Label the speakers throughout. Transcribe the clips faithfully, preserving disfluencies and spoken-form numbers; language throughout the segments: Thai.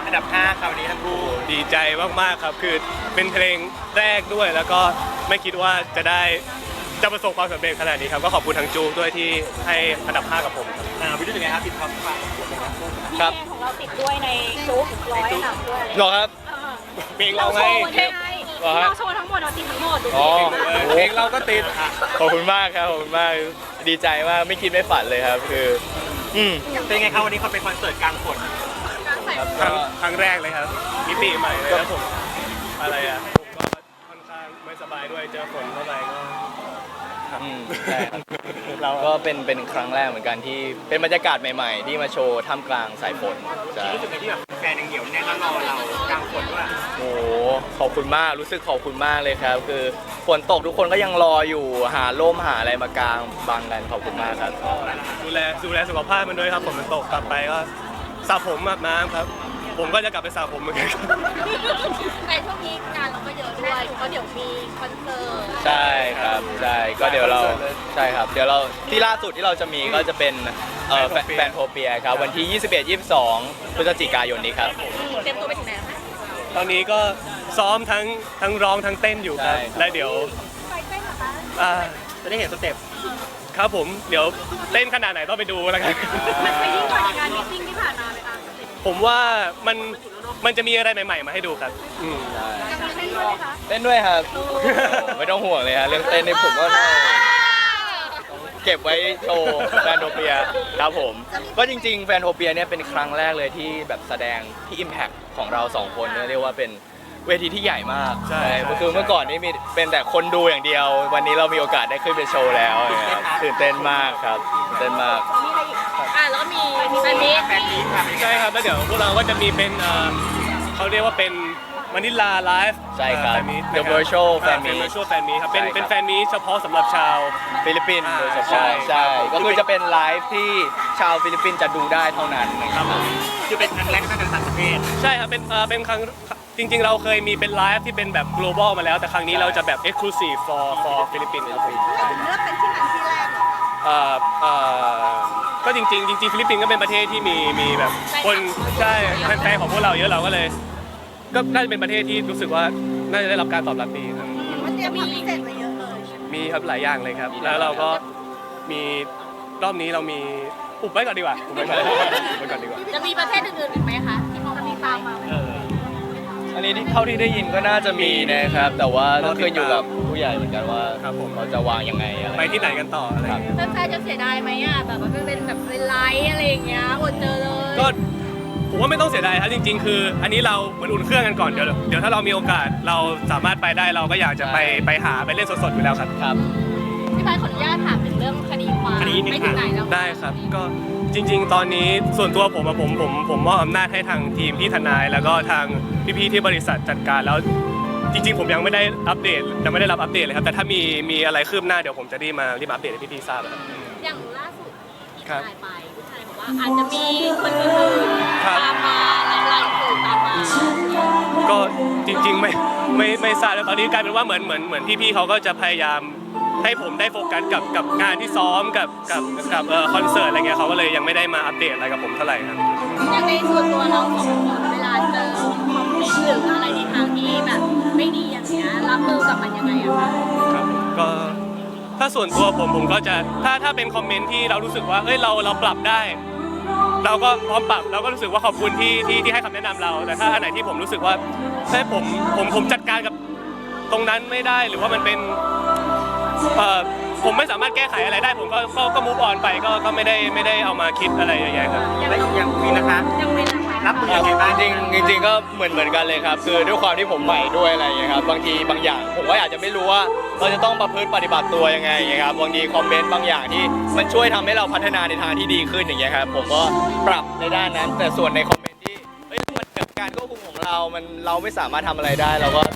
Speaker 1: อันดับห้าคราวนี้ทั้งคู่
Speaker 2: ดีใจมากๆครับคือเป็นเพลงแรกด้วยแล้วก็ไม่คิดว่าจะได้จะประสบความสำเร็จขนาดนี้ครับก็ขอบคุณทางจูด้วยที่ให้อันดับห้ากับผมครับ
Speaker 1: อ่าวิธียังไงครับติดท็อปฟัง
Speaker 3: ครับของเราติดด้วยในจุ๊บร้อยอันดับด้วย
Speaker 2: หรอครับเพลงเราไง
Speaker 3: เราโชว์ทั้งหมดเราติดทั้งหมดดู
Speaker 2: เพลงเราก็ติด
Speaker 4: ขอบคุณมากครับขอบคุณมากดีใจมากไม่คิดไม่ฝันเลยครับคือ
Speaker 1: อืมเป็นไงครับวันนี้เขาเป็นคอนเสิร์ตกลางฝน
Speaker 2: ครั้งครั้งแรกเลยครับมิติใหม่เลยแล้วผมอะไรอ่ะผมก็ค่อนข้างไม่สบายด้วยเจอฝนเข้าไปก็
Speaker 4: ใช่ครับเราก็เป็นเป็นครั้งแรกเหมือนกันที่เป็นบรรยากาศใหม่ๆที่มาโชว์ท่ามกลางสายฝน
Speaker 1: รู้สึกไงที่แบบแฟนยังเหนียวแน่นแล้วรอเรากลางฝนด้วย
Speaker 4: โอ้ขอบคุณมากรู้สึกขอบคุณมากเลยครับคือฝนตกทุกคนก็ยังรออยู่หาร่มหาอะไรมากางบังกันขอบคุณมากครับ
Speaker 2: ดูแลดูแลสุขภาพมันด้วยครับฝนมันตกกลับไปก็สระผมอาบน้ำครับผมก็จะกลับไปสระผมเหมือนกัน
Speaker 3: ในช่วงนี้งานเราก็เยอะด้วยเพราะเดี๋ยวมีคอนเสิร์ต
Speaker 4: ใช่ครับใช่ก็เดี๋ยวเราใช่ครับเดี๋ยวเราที่ล่าสุดที่เราจะมีก็จะเป็นแฟนโทเปียครับวันที่ยี่สิบเอ็ด ยี่สิบสองพฤศจิกายนนี้ครับ
Speaker 3: เตรียมตัวไปถึงไหนคะ
Speaker 2: ตอนนี้ก็ซ้อมทั้งทั้งร้องทั้งเต้นอยู่ครับและเดี๋ยว
Speaker 1: จะได้เห็นสเต็ป
Speaker 2: ครับผมเดี๋ยวเต้นขนาดไหนต้องไปดูแล้วกัน
Speaker 3: มันไปยิ่งกว่าในงานมิทติ้งที่ผ่านมาไหมคะ
Speaker 2: ผมว่ามันมันจะมีอะไรใหม่ๆมาให้ดูครับ
Speaker 4: เต้นด้วยครับไม่ต้องห่วงเลยฮะเรื่องเต้นในผมก็เก็บไว้โชว์แฟนโทเปียครับผมก็จริงๆแฟนโทเปียเนี่ยเป็นครั้งแรกเลยที่แบบแสดงที่ Impact ของเราสองคนเรียกว่าเป็นเวทีที่ใหญ่มากใช่คือเมื่อก่อนนี่มีเป็นแต่คนดูอย่างเดียววันนี้เรามีโอกาสได้ขึ้นไปโชว์แล้วตื่นเต้นมากครับตื่นเต้นมาก
Speaker 3: อ่าแล้วมีแฟนมี
Speaker 1: แฟนมี
Speaker 2: ใช่ครับแล้วเดี๋ยวพวกเราก็จะมีเป็นเขาเรียกว่าเป็นมานิลาไลฟ์
Speaker 4: ใช่ครับ The Virtual Fan Meet
Speaker 2: Virtual Fan Meet ครับเป็นเป็นแฟนมีเฉพาะสำหรับชาว
Speaker 4: ฟิลิปปินส์โดยเฉพาะใช่ก็คือจะเป็นไลฟ์ที่ชาวฟิลิปปินส์จะดูได้เท่านั้นนะครับ
Speaker 1: คือเป็นครั้งแรกตั้งแต่ต่างประเทศ
Speaker 2: ใช่ครับเป็นเอ่อเป็นครั้งจริงๆเราเคยมีเป็นไลฟ์ที่เป็นแบบ global มาแล้วแต่ครั้งนี้เราจะแบบ exclusive for for ฟิลิปปินส์ครับผม
Speaker 3: เลือกเป็นที่ไหนที่แรกเหรอ
Speaker 2: เอ่อเอ่อก็จริงๆจริงๆฟิลิปปินส์ก็เป็นประเทศที่มีมีแบบคนใช่แฟนๆของพวกเราเยอะเราก็เลยก็น่าจะเป็นประเทศที่รู้สึกว่าน่าจะได้รับการตอบรับดีครับ
Speaker 3: มันจะมีพิเศษมาเยอะเลย
Speaker 2: มีครับหลายอย่างเลยครับแล้วเราก็มีรอบนี้เรามีอุบไว้ก่อนดีกว่าอุบไว้ก่อนไว้ก่อนดีกว่า
Speaker 3: จะมีประเทศอื่นๆอีกไหมคะที่เขามีตามมา
Speaker 4: อันนี้ที่เท่าที่ได้ยินก็น่าจะมีนะครับแต่ว่าต้องขึ้นอยู่กับผู้ใหญ่เหมือนกันว่าเขาจะวางยังไงอะไร
Speaker 2: ไปที่ไหนกันต่ออะไร
Speaker 3: แฟนๆจะเสียดายไหมอ่ะแบบว่าเป็นแบบเป็นไลฟ์อะไรอย่างเงี้ยอดเจอเลย
Speaker 2: ก็ผมว่าไม่ต้องเสียดายครับจริงๆคืออันนี้เราเหมือนอุ่นเครื่องกันก่อนเดี๋ยวเดี๋ยวถ้าเรามีโอกาสเราสามารถไปได้เราก็อยากจะไปไปหาไปเล่นสดๆอยู่แล้วครับ
Speaker 4: ครับ
Speaker 3: พี่บายขออนุญาตถามถึงเรื่องคดีความไม่ถึงไหนแล้ว
Speaker 2: ได้ครับก็จริงๆตอนนี้ส่วนตัวผมอะผมผมผมมอบอำนาจให้ทางทีมที่ทนายแล้วก็ทางพี่ๆที่บริษัทจัดการแล้วจริงๆผมยังไม่ได้อัปเดตยังไม่ได้รับอัปเดตเลยครับแต่ถ้ามีมีอะไรคืบหน้าเดี๋ยวผมจะรีบมารีบอัปเดตให้พี่ๆทราบครับ
Speaker 3: อย่างล่าสุดที่ถ่ายไปผู้ชายบอกว่าอาจจะมีคนอื่นตามมาไล่อื่นตามมา
Speaker 2: ก็จริงๆไม่ไม่ไม่ทราบแล้วตอนนี้กลายเป็นว่าเหมือนเหมือนเหมือนพี่ๆเขาก็จะพยายามให้ผมได้โฟกัสกับกับงานที่ซ้อมกับกับกับเอ่อคอนเสิร์ตอะไรเงี้ยเขาก็เลยยังไม่ได้มาอัปเดตอะไรกับผมเท่าไหร่ครับ
Speaker 3: อย่างในส่วนตัวเราสองคนเวลาเจอคอมเมนต์หรืออะไรในทางที่แบบไม่ดีอย่างเงี้ยรับมือกับมันยังไงอะคะ
Speaker 2: ครับก็ถ้าส่วนตัวผมผมก็จะถ้าถ้าเป็นคอมเมนต์ที่เรารู้สึกว่าเอ้ยเราเราปรับได้เราก็พร้อมปรับเราก็รู้สึกว่าขอบคุณที่ที่ที่ให้คำแนะนำเราแต่ถ้าอันไหนที่ผมรู้สึกว่าเฮ้ยผมผมผมจัดการกับตรงนั้นไม่ได้หรือว่ามันเป็นเอ่อผมไม่สามารถแก้ไขอะไรได้ผมก็ก็ก็มูฟออนไปก็ก็ไม่ได้ไม่ได้เอามาคิดอะไรอย่างเงี้ยครับ
Speaker 1: ยังมีนะคะ
Speaker 3: ยังมีนะคะ
Speaker 1: รับมือยังไงบ้าง
Speaker 4: จริงจริงก็เหมือนเหมือนกันเลยครับคือด้วยความที่ผมใหม่ด้วยอะไรอย่างเงี้ยครับบางทีบางอย่างผมก็อาจจะไม่รู้ว่าเราจะต้องประพฤติปฏิบัติตัวยังไงอย่างเงี้ยครับบางทีคอมเมนต์บางอย่างที่มันช่วยทำให้เราพัฒนาในทางที่ดีขึ้นอย่างเงี้ยครับผมก็ปรับในด้านนั้นแต่ส่วนในคอมเมนต์ที่เฮ้ยมันจากการควบคุมของเรามันเราไม่สามารถทำอะไรได้เราก็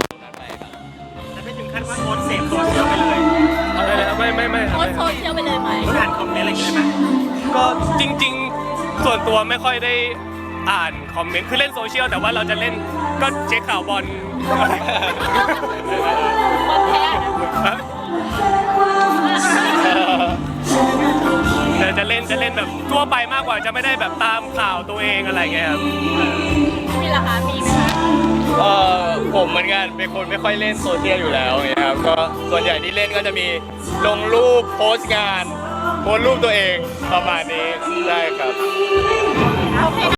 Speaker 1: ขั้นว่าโพสเสพโซเชียลไปเลย
Speaker 2: อะไรเลยไม่ไม่ไม่
Speaker 3: โพสโซเชียลไปเลยไหม
Speaker 1: อ่านคอมเมนต์อะไรอย่างเงี้ยไหม
Speaker 2: ก็จริงๆส่วนตัวไม่ค่อยได้อ่านคอมเมนต์คือเล่นโซเชียลแต่ว่าเราจะเล่นก็เช็คข่าวบอล
Speaker 3: บอลแพ้
Speaker 2: จะจะเล่นจะเล่นแบบทั่วไปมากกว่าจะไม่ได้แบบตามข่าวตัวเองอะไรเงี้ยครับ
Speaker 3: พี่ล่ะคะมีไหมคะ
Speaker 4: เออผมเหมือนกันเป็นคนไม่ค่อยเล่นโซเชียลอยู่แล้วอย่างเงี้ยครับก็ส่วนใหญ่ที่เล่นก็จะมีลงรูปโพสต์งานโพสต์รูปตัวเองประมาณนี้ได้ครับ